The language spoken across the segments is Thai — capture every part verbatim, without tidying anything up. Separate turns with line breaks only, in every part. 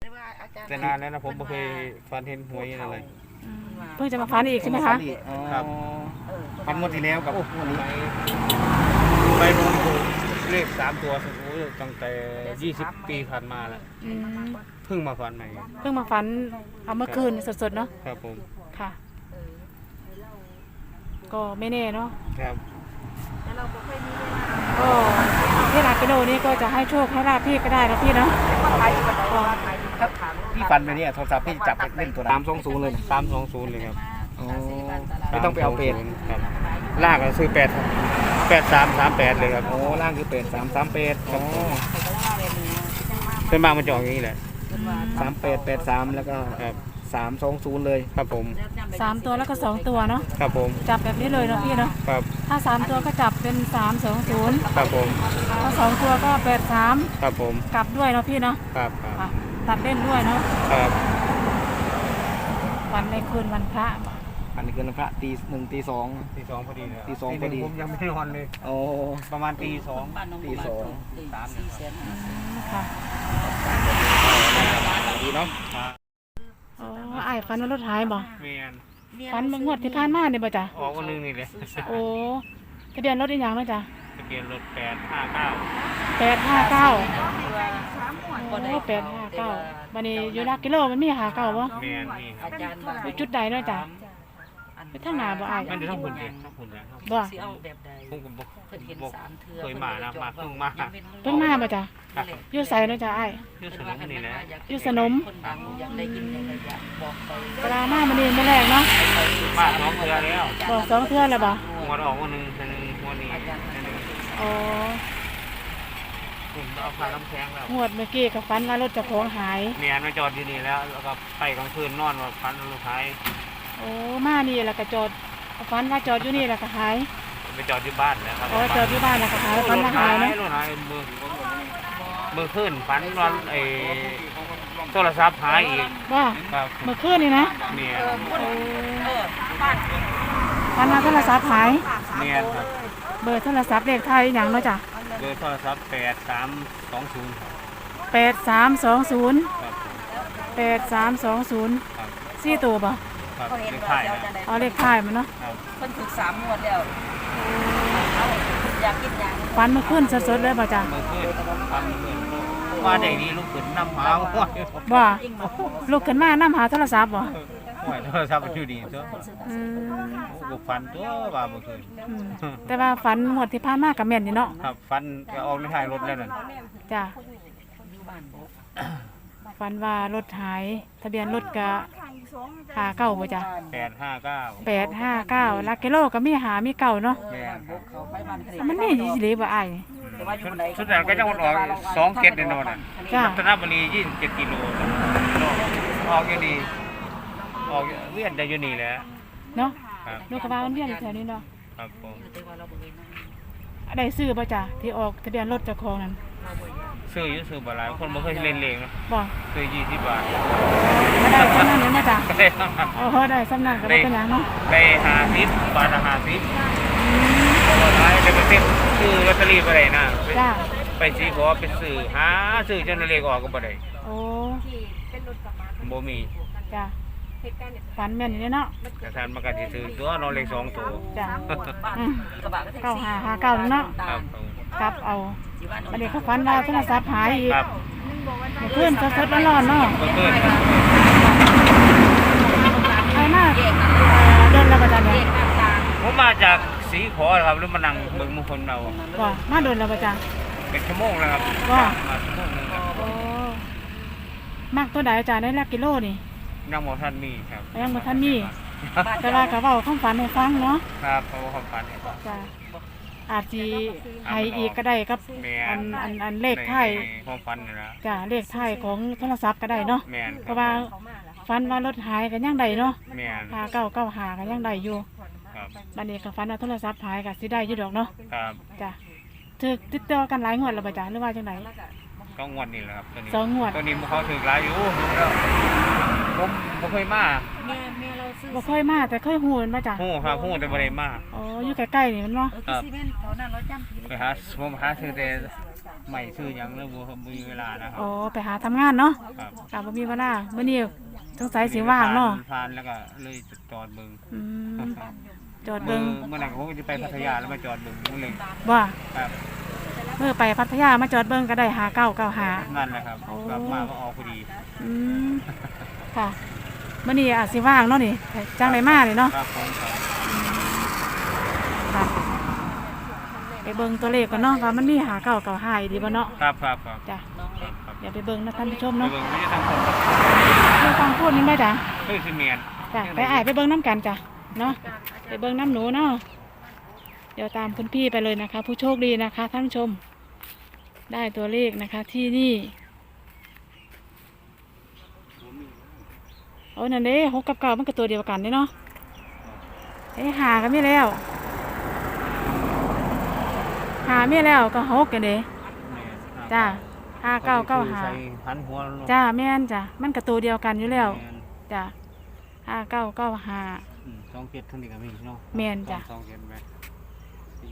แต่นานแล้วนะผมไม่เคยฝันเห็นหวยอะไร
เพิ่งจะมาฝันอีกใช่ไหมคะ
ครับ
ฝันงวดที่แล้วกับวันนี้
ไปลงเลขสามตัวโอ้ยตั้งแต่ยี่สิบปีผ่านมาแล้วเพิ่งมาฝันใหม่
เพิ่งมาฝันเอาเมื่อคืนสดๆเนาะ
ครับผม
ค่ะก็ไม่แน่เนาะ
ครับ
ก็ที่ลากิโลนี่ก็จะให้โชคให้ลาพี่ก็ได้นะพี่เนาะ
พี่ฟันไปเนี่ยโทรศัพท์พี่จับเล่นตัวสามสองศูนย์เลย
สามสองศูนย์เลยครับ
ไม่ต้องไปเอาเป็ด
ครับล่างก็ซื้อแปดแปดสามสามแปดเลยครับ
โอ้ล่างคือเป็ดสามสามเป็ดโอ้
เป็นบางมันจองอย่างนี้แหละ
สามเป็ดเป็ดสามแล้วก็สามสองศูนย์เลย
ครับผม
สามตัวแล้วก็สองตัวเนาะ
ครับผม
จับแบบนี้เลยเนาะพี่เนาะ
ครับ
ถ้าสามตัวก็จับเป็นสามสองศูนย์
ครับผม
ถ้าสองตัวก็แปดสาม
ครับผม
กลับด้วยเนาะพี่เนาะ
ครับ
ตัดเล่นด้วยเนาะ
ครับ
วันในคืนวันพระ
วันในคืนวันพระตีหนึ่งตีสอง
ตีสองพอดีเลย
ตีสองพอดี
ผมยังไม่นอนเลย
โอ้
ประมาณตีสอง
ตีสอง
สาม
ค่ะ
ดีเนาะ
อ๋อไอ้ฟันว่ารถหายบ่
เมียน
ฟันมันงวดที่ผ่านมาเนี่ยบ่จ้ะ
ออกวันนึงนี่เลย
โอ้ทะเบียนรถอีกอย่างไหมจ้ะ
ทะเบียนรถแปดห้าเก้า
แปดห้าเก้าโอ้แปดห้าเก้าวันนี้อยู่นักกิโลมันมีหาเก้าบ่
เมียนนี่
อยู่จุดใดเนาะจ้ะไปทางหน้าบ่ไอ้
มันจะต้องหุ่นเลยต้องหุ่นแล้ว
บ่
ผมก็บอกเคยมานะมาเพิ่งมา
เพิ่งมาบ่จ้ะอยู่ไสเนาะจ้ะไอ้
อยู่สนมนี่แหละ
อยู่สนมเวลามามันนี่มื้อแรกเนาะ
มาสองเทื่อแล้ว
บอกสองเทื่อแล้วบ่
งวดออกวันนึงนึงวันนี้
อ๋อ
ผมเอาพาน้ำแข็งแล้ว
งวดเมื่อกี้กับฟันว่ารถเจ้าของหาย
เมียนมาจอดที่นี่แล้วแล้วก็ไปกลางคืนนอนว่าฟันรถหาย
โอ้มานี่แล้วก็จอดฟันว่าจอดอยู่นี่แล้วก็หาย
ไปจอดที่บ้านแล้ว
อ๋อจอดที่บ้านแล้วก็หายฟันว่าหายเนาะ
รถหายมือมือขึ้นฟันนอนไอ้โทรศัพท์หายอีก
ว่าเมื่อคืนนี่นะ
เมีย
ฟันว่าโทรศัพท์หาย
เมียครับ
เบอร์โทรศัพท์เลขไทยอย่างเนาะจ้ะ
เบอร์โทรศัพท์แปดสามสองศูนย์
แปดสามสองศูนย์แปดสามสองศูนย์สี่ตัวป่ะ
เลขท้าย
อ๋อเลขท้ายมันเนาะ
เพิ่นถูกสามงวดแล้วอยากกินอย่าง
ฟันมันขึ้นสดๆเลยป่ะจ้ะ
มันขึ้นฟันขึ้นว่าได้ดีลูกขึ้นน้ำหาห้วย
บ่ลูกขึ้นมาน้ำหาโทรศัพท์บ่
ห้วยโทรศัพท์มันอยู่ดีตัว
อืม
โอ้ฟันตัวว่าเมื่อคืน
แต่ว่าฟันงวดที่ผ่านมากับแม่นนี่เนาะ
ครับฟันจะออกในท้ายรถแล้วนั่น
จ้ะฟันว่ารถหายทะเบียนรถกะหาเก้าป่ะจ้ะ
แปดห้าเก้า
แปดห้าเก้าลักกิโลก็มีหามีเก่าเนาะมันนี่ยี่สิบบ่ไอ้
สุดท้ายก็จะออกสองเกตแน่นอนอ่ะรัตนบุรียี่สิบเจ็ดกิโลออกอย่างดีออกเวียนได้อยู่นี่แหละ
เนาะลูกกระบะมันเวียนแถวนี้เนาะ
ครับผม
ได้ซื้อป่ะจ้ะที่ออกทะเบียนรถเจ้าของนั้น
ซื้ออยู่ซื้อบ่หลายคนบ่เคยเล่นเลงนะ
บ่
ซื้อยี่สิบบาท
ได้สำนักนี้มาจ้ะโอ้โหได้สำนักก็ได้เป็นอย่างเนาะ
ได้ห้าสิบบาทละห้าสิบบ่หลายได้ไปซื้อซื้อลอตเตอรี่บ่ได้นะ
จ้ะ
ไปสิขอไปซื้อหาซื้อจนเลขออกก็บ่ได้
โอ้
บ่มี
จ้ะฝันแม่นนี่เนาะ
กระทานมันก็สิซื้อตัวนอนเลขสองตัว
จ้ะเก้าห้าห้าเก้าเนาะ
ครับ
ครับเอาอันนี้เขาฝันว่าโทรศัพท์หายอีกเพื่อนสดๆร้อนๆเนาะใครมาเดินแล้วประจันเนี่ย
ผมมาจากสีขอครับหรือมานั่งเบิ่งมงคลเรา
ว่ามาเดินแล้วประจัน
เป็นชั่วโมงแล้วครับ
ว่า
มาชั่วโมงนึงครับ
โอ้มากตัวใดอาจารย์ได้ละกิโลนี่
ยังบ่ทันมีครับ
ยังบ่ทันมีแต่ว่าก็เว้าความฝันให้ฟังเนาะ
ครับเพราะว่าความฝันให้ฟัง
จ้ะอาจสิให้อีกก็ได้ครับอันอันอันเลขท้าย
ความฝันนี่นะ
จ้ะเลขท้ายของโทรศัพท์ก็ได้เนาะเพราะว่าฝันว่ารถหายก็ยังได้เนาะ
แม่น
ห้าเก้าเก้าห้าก็ยังได้อยู่
ครับ
บัดนี้ก็ฝันว่าโทรศัพท์หายก็สิได้อยู่ดอกเนาะ
ครับ
จ้ะถูกติดต่อกันหลายงวดแล้วบ่จ้ะหรือว่าจังได๋
ก็งวดนี่แหละครับตัวนี้
สองงวด
ตัวนี้เขาถูกหลายอยู่ผมบ่เคยมา
แม่แม่เราซื้อ
บ่เคยมาแต่เคยฮู้มันบ่จ้ะ
ฮู้ครับฮู้แต่บ่ได้มา
อ๋ออยู่ใกล้ๆนี่มันเนาะ
ครับ
ไปหาผมหาซื้อแต่ใหม่ซื้อหยังแล้วบ่มีเวลานะครับ
อ๋อไปหาทำงานเนาะ
ครับ
ก็ค่ะบ่มีเวลามื้อนี้สงสัยสิว่างเนาะ
ผ่านแล้วก็เลยจอดเบิ่ง
อืมจอด
เมื่
เบิ่
อง เมื่อไหร่ผมจะไปพัทยาแล้วมาจอดเบิ่งนั่นเลย
บ่
ครับ
เมื่อไปพัทยามาจอดเบิ่งก็ได้หาเก้าเก้าหา
นั่นแหละครับ
โอ้
กลับมาก็ออกพอดี
อืมค่ะมื้อนี้อาจสิว่างเนาะนี่จังไดมานี่เนาะ
ครับผมครับ
ค่ะไปเบิ่งตัวเลขกันเนาะว่ามันมีหาเก้าเก้าหาอีดีบ่เนาะ
ครับครับครับ
จ้ะ
น้องเล็ก
ครับ
เดี๋ยวไปเบิ่งนะท่านผู้ชม
ไป
เนาะ
เบิ่งไม่ใช่ทางคนครับ
เรื่องฟังพูดนี่ได้จ้ะ
เฮ้ยคือเมียน
จ้ะไปอ้ายไปเบิ่งน้ำกันจ้ะเนาะไปเบิ่งน้ำหนูเนาะเดี๋ยวตามคุณพี่ไปเลยนะคะ ผู้โชคดีนะคะท่านผู้ชม ได้ตัวเลขนะคะ ที่นี่โอ้นั่นเด้หกกับเก้ามันก็ตัวเดียวกันเด้เนาะเอ้หากันไม่แล้วหาไม่แล้วก็หกกันเด้จ้าห้าเก้าเก้าหา
ใส่พันหัวเนะ
จ้าแม่นจ้ะมันก็ตัวเดียวกันอยู่แล้ว
ม่น
จ้าห้าเก้าเก้าหา
อืมสองเจ็ดทั้งนี้ก็มีเนาะ
แม่นจ้ะ
สองเจ็ดไหมสี่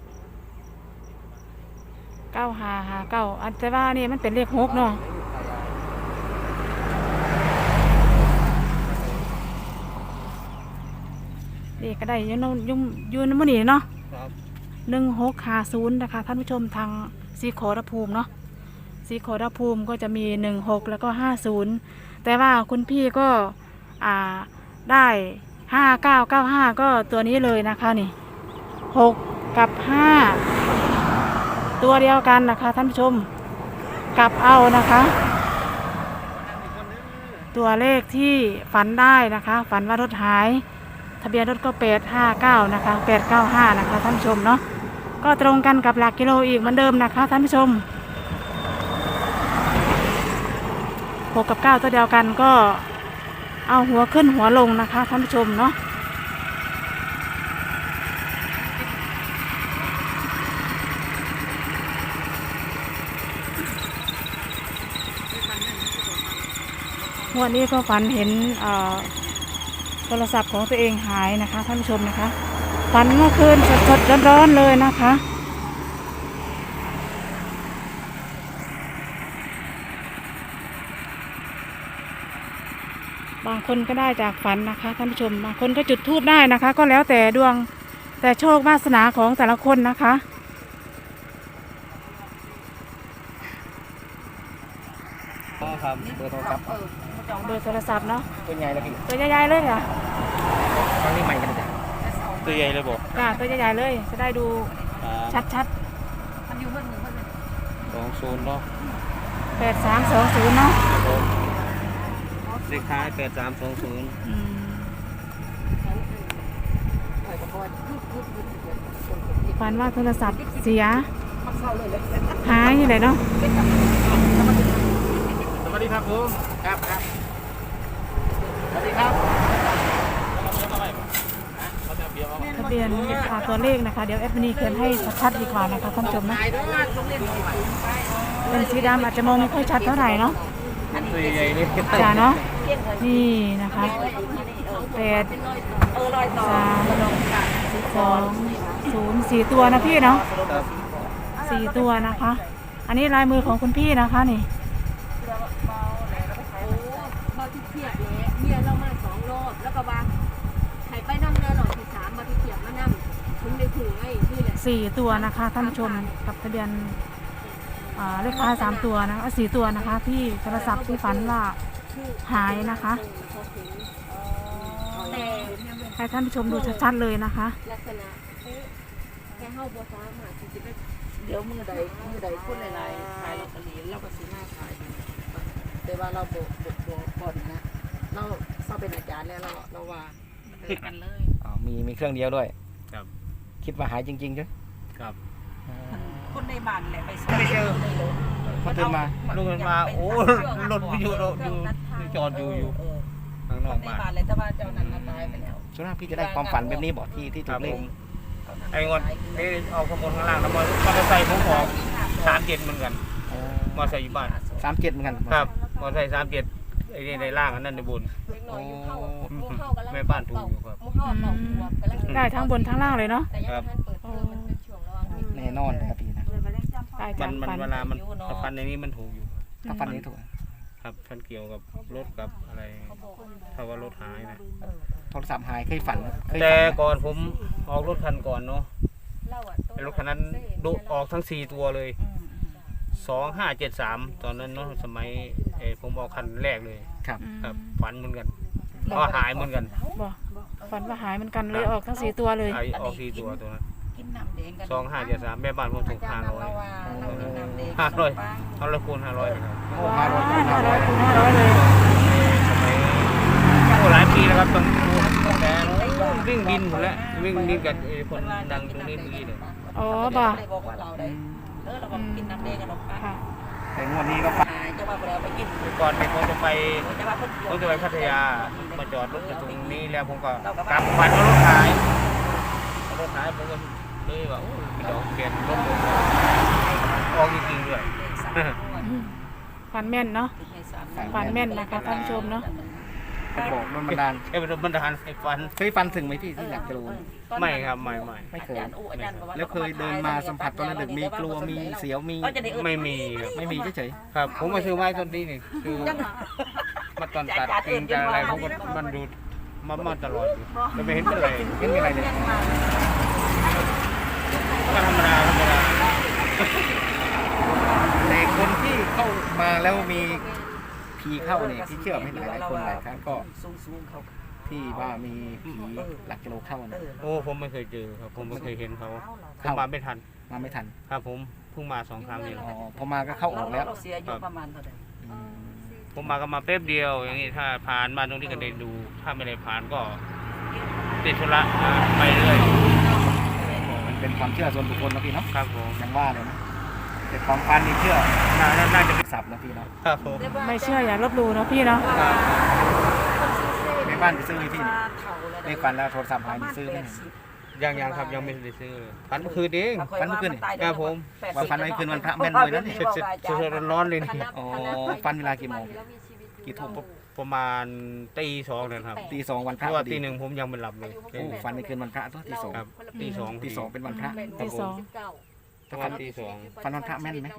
เก้าหาหาเก้าอันแต่ว่านี่มันเป็นเลขหกเนาะเลขก็ได้อยุ่นยุ่มยุ่นมันนี่เนาะ
ครับ
หนึ่งหกหาศูนย์นะคะท่านผู้ชมทางสีโครภูมิเนาะสีโครภูมิก็จะมีหนึ่งหกแล้วก็ห้าศูนย์แต่ว่าคุณพี่ก็อ่าได้ห้าเก้าเก้าห้าก็ตัวนี้เลยนะคะนี่หกกับห้าตัวเดียวกันนะคะท่านผู้ชมกลับเอานะคะ ตัวเลขที่ฝันได้นะคะ ฝันว่ารถหายทะเบียนรถก็แปดห้าเก้านะคะแปดเก้าห้านะคะท่านผู้ชมเนาะก็ตรงกันกับหลักกิโลอีกเหมือนเดิมนะคะท่านผู้ชมหกกับเก้าตัวเดียวกันก็เอาหัวขึ้นหัวลงนะคะท่านผู้ชมเนาะวันนี้ก็ฝันเห็นเอ่อโทรศัพท์ของตัวเองหายนะคะท่านผู้ชมนะคะฝันเมื่อคืนสดๆร้อนๆเลยนะคะบางคนก็ได้จากฝันนะคะท่านผู้ชมบางคนก็จุดธูปได้นะคะ ก็แล้วแต่ดวงแต่โชควาสนาของแต่ละคนนะคะ
อ๋อครับเบอร์โทรศัพท์
เออมาจอง
เบอร์โทรศัพท์เนาะ
ตัวใหญ่แล้วพี่
ตัวใหญ่ๆเลยค่ะ
ครั้งนี้ใหม่กันจ้ะ
ตัวใหญ่เลยบอก
จ้าตัวใหญ่ๆเลยจะได้ดูชัด
มันอยู่เพิ่นหนึ่งเพิ่นหนึ่ง
สองศูนย์เนาะ
ๆแปดสามสองศูนย์เนาะ
เลขท้ายแปดสามสองศูนย์
อืม
เออก็พอยุบยุบยุบยุบ
ฝันว่าโทรศัพท์เสียหายอยู่ไหนเนาะ
สวัสดีครับผมครับครับสวัสดีครับ
ทะเบียนอ่าตัวเลขนะคะ เดี๋ยวแอปนี้เขียนให้ชัดๆดีกว่านะคะท่านผู้ชมนะเป็นสีดำอาจจะมองไม่ค่อยชัดเท่าไหร่เนาะ
ตัวใหญ่ๆนี่
จ้าเนาะนี่นะคะแปด
เออลอยต่อ
สามสองศูนย์สี่ตัวนะพี่เนาะสี่ตัวนะคะ อันนี้ลายมือของคุณพี่นะคะนี่
มาที่เทียบเลยเมียเรามาสองรอบแล้วก็ว่าใครไปนั่งเรือหลอดที่สามมาที่เทียบมานั่งถึงได้ถึงไอ้นี่แหละ
สี่ตัวนะคะท่านผู้ชมกับทะเบียนอ่าเลขท้ายสามตัวนะเอาสี่ตัวนะคะ ที่โทรศัพท์ที่ฝันว่าหายนะคะ
แต่
ให้ท่านผู้ชมดูชัดๆเลยนะคะ
ลักษณะแค่เฮาบ่สามารถที่จะไป
เดี๋ยวมือใดมือใดพูดหลายๆขายลอตเตอรี่เราก็ซื้อหน้าขายอยู่แต่ว่าเราบกบกบกบ่อนนะเราเราเป็นอาจารย์แล้วเราเราว่าเออกันเลย
อ๋อมีมีเครื่องเดียวด้วย
ครับ
คิดว่าหายจริงๆใช่ไหม
ครับ
คนในบ้านแหละไป
ไม่เจอ
พอตื่นมา
ลูกมันมาโอ้รถวิทยุรถอยู่จอดอยู่อยู่ข้างน
ค
อก
นใน
บ้าน
บ้านเลยแต่ว่าเจ้านั้นน่ะตายไปแล้ว
ส่วนมากพี่จะได้ความฝันแบบนี้บอกที่ที่
ค
ถู
รับ
กเล
ผ
ข
มไอ้งอนนี่เอาข้างบนข้างล่างแล้วมอมอเตอร์ไซค์ผมออกสามเจ็ดเหมือนกันมอเตอร์ไซค์อยู่บ้าน
สามเจ็ดเหมือนกัน
ครับมอเตอร์ไซค์สามเจ็ดไอ้นี่ในล่างอันนั้นในบน
เล็กน้อยอยู่เข้าหมู่เฮากันแล้ว
แม่บ้านถูกอยู่ครับ
หมู่เฮาเป่าหัวกันแล้ว
ได้ทั้งบนทั้งล่างเลยเนาะ
แต่ยังบ่ทันเปิดเทอมมันเป็นช่วงระหว่างปิด
แน่นอนนะครับพี่นะ
ได้
มั
จาน ก
มัน
ฝัน
เวลามันถ้าฟันในนี้มันถูกอยู่
ถ้าฝันนี้ถูก
คครับฝันเกี่ยวกับรถกับอะไรถ้าว่ารถหายนะ
เออ
โทรศัพท์หายเคยฝันเคย
แต่
ฝันไหม
ก่อนผมออกรถคันก่อนเนาะ
เราอะ
ไอ้รถคันนั้นดุออกทั้งสี่ตัวเลย
อืม
สองห้าเจ็ดสามตอนนั้นเนาะสมัยเออผมออกคันแรกเลย
ครับ
ครับฝันเหมือนกันก็หายเหมือนกัน
บอกฝันว่าหายเหมือนกันเลยออกทั้งสี่ตัวเลย
หายออกสี่ตัวตัวนั้น
กินน้ำแดงกัน
สองห้าเจ็ดสามแม่บ้านผมถูกห้าร้อย
เรากินน้ำแดง
ห้าร้อยเอาละคูณห้าร้อยเลยครับ
โอ้
ว้า
ห้าร้อย
ห้าร้อยคูณห้าร้อยเลย
สมัยโอ้หลายปีแล้วครับตอนแต่วิ่งบินหมดแล้ววิ่งบินกับไอ้คนดังตรงนี้เมื่อกี้เนี่ย
อ๋อบอก
ได้บอกว่าเราได้เออเราก็กินน้ำแดงกันหรอก
ค่ะ
แต่งวดนี้ก็ฝัน
จะว่าเราไปกิน
ก่อนเนี่ยผมจะไป
จะว่าคน
ผมจะไปพัทยามาจอดรถอยู่ตรงนี้แล้วผมก็กลับฝันว่ารถหายรถหายผมก็เลยว่าโอ้ยเดี๋ยวเปลี่ยนรถเลยออกจริงๆด้วย
ฝันแม่นเนาะ ฝันแม่นนะคะท่านผู้ชมเนาะ
ก็บอกโดนบันดาล
แค่เป็นบันดาลให้ฟัน
เคยฝันถึงไหมพี่ที่หลักกิโล
ไม่ครับไม่ไม่
ไม่เคย แล้วเคยเดินมาสัมผัสตอนระดึกมีกลัวมีเสียวมี
ไม่มีครับ
ไม่มีเฉย
ครับผมมาซื้อไม้ต้นนี้นี่คือมาตอนตัดกิ่งจะอะไรผมก็มันดูมามาตลอดอยู่แต่ไม่เห็นเป็นไร
ๆไม่มีอะไรเลย
ก็ธรรมดาธรรมดา
แต่คนที่เข้ามาแล้วมีผีเข้าเนี่ยที่เชื่อไม่หลายหลายคนหลายครั้งก็
สูงสูงเขา
ที่ว่ามีผีหลักกิโลเข้านะ
โอ้ผมไม่เคยเจอครับผมไม่เคยเห็นเขาผมมาไม่ทัน
มาไม่ทัน
ครับผมเพิ่งมาสองครั้งเอง
อ๋อพอมาก็เข้าออกแล้ว
เราเสียอยู่ประมาณเท่าไหร่
อืม
ผมมาก็มาแป๊บเดียวอย่างนี้ถ้าผ่านมาตรงนี้ก็ได้ดู ถ้าไม่ได้ผ่านก็ติดธุระอ่าไปเรื่อย
มันเป็นความเชื่อส่วนบุคคลนะพี่เนาะ
ครับผม
ยังว่าเลยนะแต่ความฝันนี่เชื่อ
น่าน่าน่าจะ
สับนะพี่เนาะ
ครับผม
ไม่เชื่ออย่าลบหลู่เนาะพี่เนาะ
ครับ
ในบ้านจะซื้อให้พี่เนี่ยเลขฝันแล้วโทรศัพท์หายมีซื้อไหม
ยังยังครับยังไม่ได้ซื้อเลยฝันเมื่อคืนเอง ครับผม
ว่าฝันไว้คืนวันพระแม่นเลยนะนี่
เสร็จเสร็จเสร็จร้อนๆเลยนี่
อ๋อฝันเวลากี่โมงกี่ทุ่ม
ประมาณตีสองนะครับ
ตีสองวันพ
เพ
ระ
ราะ
พ
ว่า
อดี
ตีหนึ่งผมยังไม่หลับเลย
โอ้ฝันในคืนวันพระตัวตีสอง
ครับตีสอง
ตีสองเป็นวันพระ
ตีสอง
ประมาณตีสอง
ฝันวันพระแม่นไหม